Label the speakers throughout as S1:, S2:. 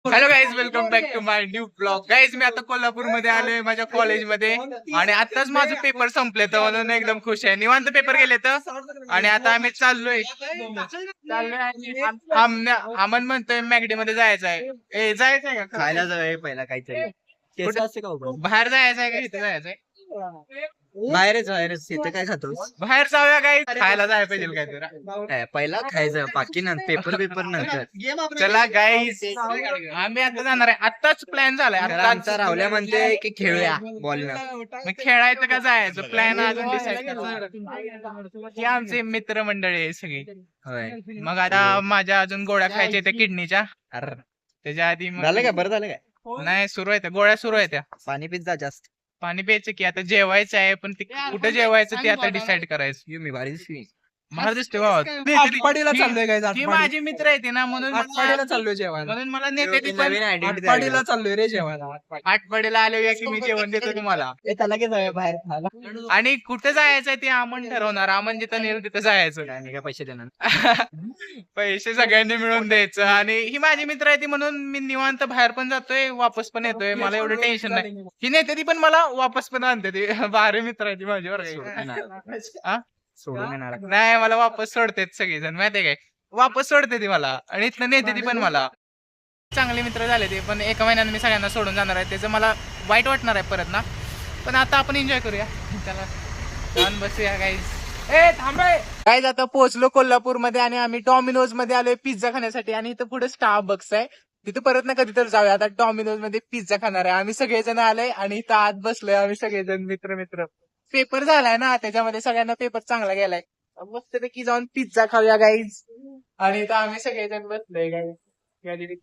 S1: Hello guys, welcome back to my new blog. Guys, मी आता कोल्हापूरमध्ये आलोय माझ्या कॉलेजमध्ये आणि आताच माझं पेपर संपले तर म्हणून एकदम खुश आहे. निवांत पेपर गेले तर आणि आता आम्ही चाललोय आणि अमन म्हणतोय मॅगडी मध्ये जायचं आहे. जायचं आहे का?
S2: खायला जाऊया पहिला काहीतरी.
S1: कुठं?
S2: असते का उभं?
S1: बाहेर जायचं आहे का इथे जायचंय?
S2: बाहेरच इथं काय खातोस?
S1: बाहेर जाऊया गाईज, खायला जायला पाहिजे काहीतरी.
S2: पहिला खायचं बाकी नंतर पेपर नंतर.
S1: चला गाईज, आम्ही आता जाणार आहे. आत्ताच प्लॅन झालाय.
S2: तर आमचा राहुल्या म्हणते की खेळूया बॉलनं.
S1: मग खेळायचं का जायचं प्लॅन अजून डिसाईड. ही आमचे मित्रमंडळी आहे सगळी.
S2: होय.
S1: मग आता माझ्या अजून गोळ्या खायच्या त्या किडनीच्या.
S2: अरे
S1: त्याच्या आधी
S2: झालं काय? बरं झालं काय?
S1: नाही, सुरू आहे त्या गोळ्या सुरू आहे त्या.
S2: पाणी पित जा जास्त.
S1: पाणी प्यायचं की आता जेवायचं आहे, पण ते कुठं जेवायचं ते आता डिसाईड करायचं.
S2: मी भारी दिसली.
S1: मला दिसते बाबा.
S3: आटपाडीला चाललोय काय?
S1: ती माझी मित्र आहे ती ना, म्हणून
S3: आटपाडीला चाललोय जेवायला.
S1: म्हणून मला नेते ती पण.
S2: नवीन आयडेंटिटी
S3: आटपाडीला चाललोय रे जेवायला.
S1: आठवड्याला आले की मी जेवण देतो तुम्हाला.
S3: त्याला की जाऊया बाहेर खायला.
S1: आणि कुठे जायचंय ते आमन ठरवणार. आमन जिथं नेल तिथं जायचं.
S2: काय पैसे देणार?
S1: पैसे सगळ्यांनी मिळून द्यायचं. आणि ही माझी मित्र आहे ती म्हणून मी निवांत बाहेर पण जातोय, वापस पण येतोय. मला एवढं टेन्शन नाही. ही नेते ती पण मला वापस पण आणते. ती भारी मित्र आहे ती माझ्यावर.
S2: सोडून येणार.
S1: नाही, मला वापस सोडते सगळेजण, माहितीये काय? वापस सोडते ती मला आणि इथनं नेते ती पण मला. चांगले मित्र झाले ते, पण एका महिन्याने मी सगळ्यांना सोडून जाणार आहे. त्याचं मला वाईट वाटणार आहे परत ना. पण आता आपण एन्जॉय करूया. त्याला जाऊन बसूया गाईज. गाईज, आता पोहोचलो कोल्हापूरमध्ये आणि आम्ही डॉमिनोज मध्ये आलोय पिझ्झा खाण्यासाठी. आणि इथं पुढे स्टारबक्स आहे, तिथं परत ना कधी तर जाऊया. आता डॉमिनोज मध्ये पिझ्झा खाणार आहे. आम्ही सगळेजण आलोय आणि इथं आत बसलोय आम्ही सगळेजण मित्र. पेपर झालाय ना, त्याच्यामध्ये सगळ्यांना पेपर चांगला गेलाय. मस्तपैकी जाऊन पिझ्झा खाऊया गाईज. आणि इथं आम्ही सगळेजण बसलोय गाईज.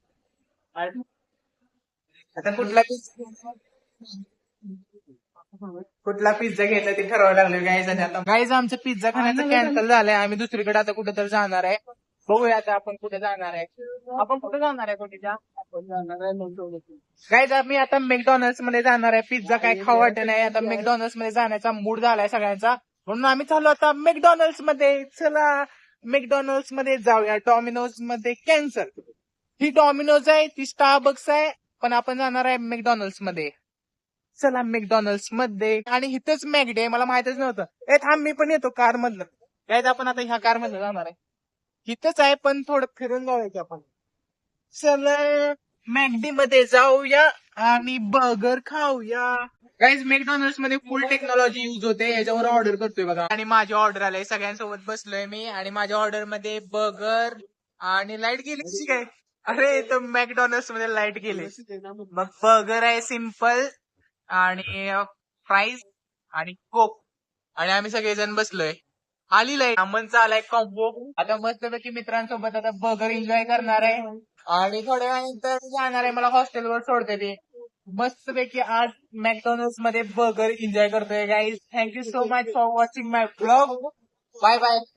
S1: आता कुठला पिझ्झा घ्यायचा ते ठरवावं लागलं गाईज. आणि आता गाईज, आमचं पिझ्झा खाण्याचं कॅन्सल झालंय. आम्ही दुसरीकडे आता कुठं तर जाणार आहे. बघूया आता आपण कुठे जाणार आहे. आपण कुठे जाणार आहे? कुठेच्या गाईज, आम्ही आता मॅकडॉनल्ड्स मध्ये जाणार आहे. पिझ्झा काय खाऊ वाटत नाही. आता मॅकडॉनल्ड्स मध्ये जाण्याचा मूड झालाय सगळ्यांचा, म्हणून आम्ही चाललो आता मॅकडॉनल्ड्स मध्ये. चला मॅकडॉनल्ड्स मध्ये जाऊया. डॉमिनोज मध्ये कॅन्सल. ही डॉमिनोज आहे, ती स्टारबक्स आहे, पण आपण जाणार आहे मॅकडॉनल्ड्स मध्ये. चला मॅकडॉनल्ड्स मध्ये. आणि इथंच मॅगडी आहे, मला माहितच नव्हतं. थांब, मी पण येतो कार मधलं. गाईज, आपण आता ह्या कार मधलं जाणार आहे. इथंच आहे, पण थोडं फिरून जाऊया की आपण. चला मॅगडी मध्ये जाऊया आणि बर्गर खाऊया. गाईज, मॅकडॉनल्ड्स मध्ये फुल टेक्नॉलॉजी युज होते. याच्यावर ऑर्डर करतोय बघा. आणि माझी ऑर्डर आलाय, सगळ्यांसोबत बसलोय मी. आणि माझ्या ऑर्डर मध्ये बर्गर आणि लाईट गेली काय? अरे, तर मॅकडॉनल्ड्स मध्ये लाईट गेली. मग बर्गर आहे सिम्पल आणि फ्राईज आणि कोक. आणि आम्ही सगळेजण बसलोय. आली लाईट. अमनचा आलाय कॉम्बो. आता मस्तपैकी मित्रांसोबत आता बर्गर एन्जॉय करणार आहे. आणि थोड्या वेळानंतर जाणार आहे, मला हॉस्टेलवर सोडते ते. मस्तपैकी आज मॅकडॉनल्ड्स मध्ये बर्गर एन्जॉय करतोय guys. Thank you so much for watching my blog. Bye bye.